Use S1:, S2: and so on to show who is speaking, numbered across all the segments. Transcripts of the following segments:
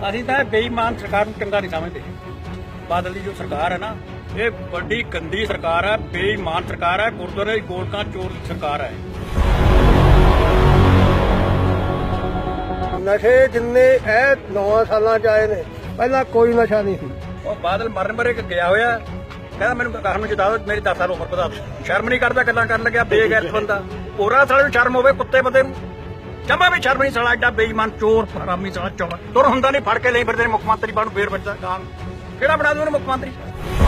S1: ਅਸੀਂ ਤਾਂ ਬੇਈਮਾਨ ਸਰਕਾਰ ਨੂੰ ਚੰਗਾ ਨਹੀਂ ਸਮਝਦੇ। ਬਾਦਲ ਦੀ ਜੋ ਸਰਕਾਰ ਹੈ ਨਾ, ਇਹ ਵੱਡੀ ਗੰਦੀ ਸਰਕਾਰ ਹੈ, ਬੇਈਮਾਨ ਸਰਕਾਰ ਹੈ, ਗੁਰਦੁਆਰੇ ਦੀ ਗੋਲਕਾਂ ਚੋਰ ਦੀ ਸਰਕਾਰ ਹੈ।
S2: ਨਸ਼ੇ ਜਿੰਨੇ ਇਹ 9 ਸਾਲਾਂ ਚ ਆਏ ਨੇ, ਪਹਿਲਾਂ ਕੋਈ ਨਸ਼ਾ ਨਹੀਂ ਸੀ।
S1: ਉਹ ਬਾਦਲ ਮਰਨ ਮਰੇ ਗਿਆ ਹੋਇਆ, ਕਹਿੰਦਾ ਮੈਨੂੰ ਕਾਰਨ ਨੂੰ ਜਿਤਾ ਦਿਓ, ਮੇਰੀ 10 ਸਾਲ ਉਮਰ ਵਧਾ ਦਿਓ। ਸ਼ਰਮ ਨਹੀਂ ਕਰਦਾ ਗੱਲਾਂ ਕਰਨ ਲੱਗਿਆ, ਬੇਗੈਰਤ ਬੰਦਾ। ਹੋਰਾਂ ਸਾਲੇ ਨੂੰ ਸ਼ਰਮ ਹੋਵੇ, ਕੁੱਤੇ ਬੰਦੇ ਨੂੰ ਜਮਾ ਵੀ ਸ਼ਰਮ ਨਹੀਂ। ਸਾਲਾ ਐਡਾ ਬੇਈਮਾਨ ਚੋਰ ਹਰਾਮੀ ਸਾਲਾ ਚੌੜਾ ਤੁਰ ਹੁੰਦਾ ਨਹੀਂ, ਫੜ ਕੇ ਲਈ ਫਿਰਦੇ ਨੇ ਮੁੱਖ ਮੰਤਰੀ ਬਣੂ, ਫੇਰ ਬੱਚਾ ਕਾਂ ਕਿਹੜਾ ਬਣਾ ਦੂ ਉਹਨੂੰ ਮੁੱਖ ਮੰਤਰੀ।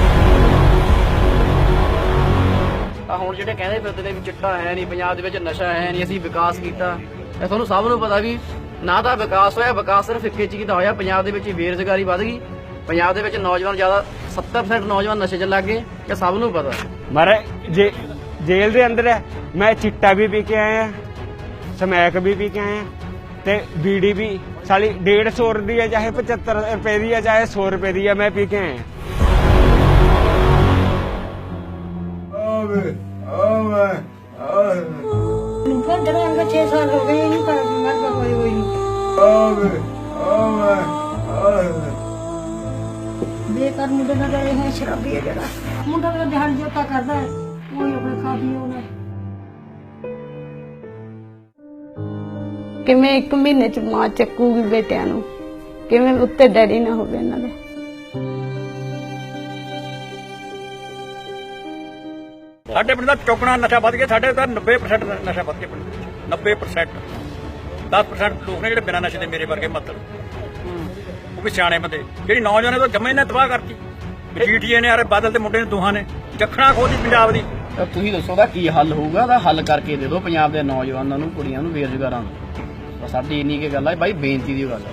S3: ਹੁਣ ਜਿਹੜੇ ਕਹਿੰਦੇ ਫਿਰਦੇ ਨੇ ਵੀ ਚਿੱਟਾ ਹੈ ਨਹੀਂ ਪੰਜਾਬ ਦੇ ਵਿੱਚ, ਨਸ਼ਾ ਹੈ ਨਹੀਂ, ਅਸੀਂ ਵਿਕਾਸ ਕੀਤਾ। ਇਹ ਤੁਹਾਨੂੰ ਸਭ ਨੂੰ ਪਤਾ ਵੀ ਨਾ ਤਾਂ ਵਿਕਾਸ ਹੋਇਆ, ਵਿਕਾਸ ਸਿਰਫ ਇੱਕੇ ਚੀਜ਼ ਦਾ ਹੋਇਆ। ਪੰਜਾਬ ਦੇ ਵਿੱਚ ਬੇਰੁਜ਼ਗਾਰੀ ਵੱਧ ਗਈ, ਪੰਜਾਬ ਦੇ ਵਿੱਚ ਨੌਜਵਾਨ ਜ਼ਿਆਦਾ 70% ਨੌਜਵਾਨ ਨਸ਼ੇ 'ਚ ਲੱਗ ਗਏ, ਇਹ ਸਭ ਨੂੰ ਪਤਾ।
S4: ਮਾਰੇ ਜੇਲ੍ਹ ਦੇ ਅੰਦਰ ਹੈ, ਮੈਂ ਚਿੱਟਾ ਵੀ ਪੀ ਕੇ ਆਇਆ, ਸਮੈਕ ਵੀ ਪੀ ਕੇ ਆਇਆ, ਤੇ ਬੀੜੀ ਵੀ ਸਾਲੀ 150 ਦੀ ਹੈ, ਚਾਹੇ 75 ਰੁਪਏ ਦੀ ਹੈ, ਚਾਹੇ 100 ਰੁਪਏ ਦੀ ਹੈ, ਮੈਂ ਪੀ ਕੇ ਆਇਆ।
S5: ਜਿਹੜੇ ਅੰਗ 6 ਸਾਲ ਹੋ ਗਏ ਨਹੀਂ ਪਰ ਮਰਦਾ ਹੋਈ ਹੋਈ ਬੇਕਾਰ ਮੁੰਡੇ ਨਾਲ ਰਹੇ ਹੈ, ਸ਼ਰਾਬੀ ਹੈ ਜਿਹੜਾ ਮੁੰਡਾ ਦਾ ਧਿਆਨ ਜੋਤਾ ਕਰਦਾ ਹੈ, ਉਹ ਆਪਣੇ ਖਾ ਪੀ ਉਹਨੇ।
S6: ਕਿਵੇਂ 1 ਮਹੀਨੇ ਚ ਮਾਂ ਚੱਕੂਗੀ ਬੇਟਿਆਂ ਨੂੰ, ਕਿਵੇਂ ਉੱਤੇ ਡੈਡੀ ਨਾ ਹੋਵੇ ਇਹਨਾਂ ਦੇ।
S1: ਸਾਡੇ ਪਿੰਡ ਦਾ ਚੌਕਣਾ ਨਸ਼ਾ ਵੱਧ ਗਿਆ, ਸਾਡੇ ਤਾਂ 90% ਨਸ਼ਾ ਵੱਧ ਗਿਆ ਪਿੰਡ ਵਿੱਚ। 90% 10% ਲੋਕ ਨੇ ਜਿਹੜੇ ਬਿਨਾਂ ਨਸ਼ੇ ਦੇ ਮੇਰੇ ਵਰਗੇ ਮਤਲਬ ਉਹ ਵੀ ਸਿਆਣੇ ਬੰਦੇ। ਜਿਹੜੀ ਨੌਜਵਾਨਾਂ ਤੋਂ ਜੰਮੇ ਨੇ ਤਬਾਹ ਕਰਤੀ। ਜੀਟੀਏ ਨੇ, ਯਾਰ ਬਾਦਲ ਦੇ ਮੁੰਡੇ ਨੇ, ਦੋਹਾਂ ਨੇ ਜੱਖਣਾ ਖੋਦੀ ਪੰਜਾਬ ਦੀ।
S3: ਤਾਂ ਤੁਸੀਂ ਦੱਸੋ ਉਹਦਾ ਕੀ ਹੱਲ ਹੋਊਗਾ? ਉਹਦਾ ਹੱਲ ਕਰਕੇ ਦੇ ਦਿਓ ਪੰਜਾਬ ਦੇ ਨੌਜਵਾਨਾਂ ਨੂੰ, ਕੁੜੀਆਂ ਨੂੰ, ਬੇਰੁਜ਼ਗਾਰਾਂ ਨੂੰ। ਸਾਡੀ ਇੰਨੀ ਕੀ ਗੱਲ ਹੈ ਬਾਈ, ਬੇਨਤੀ ਦੀ ਗੱਲ ਹੈ।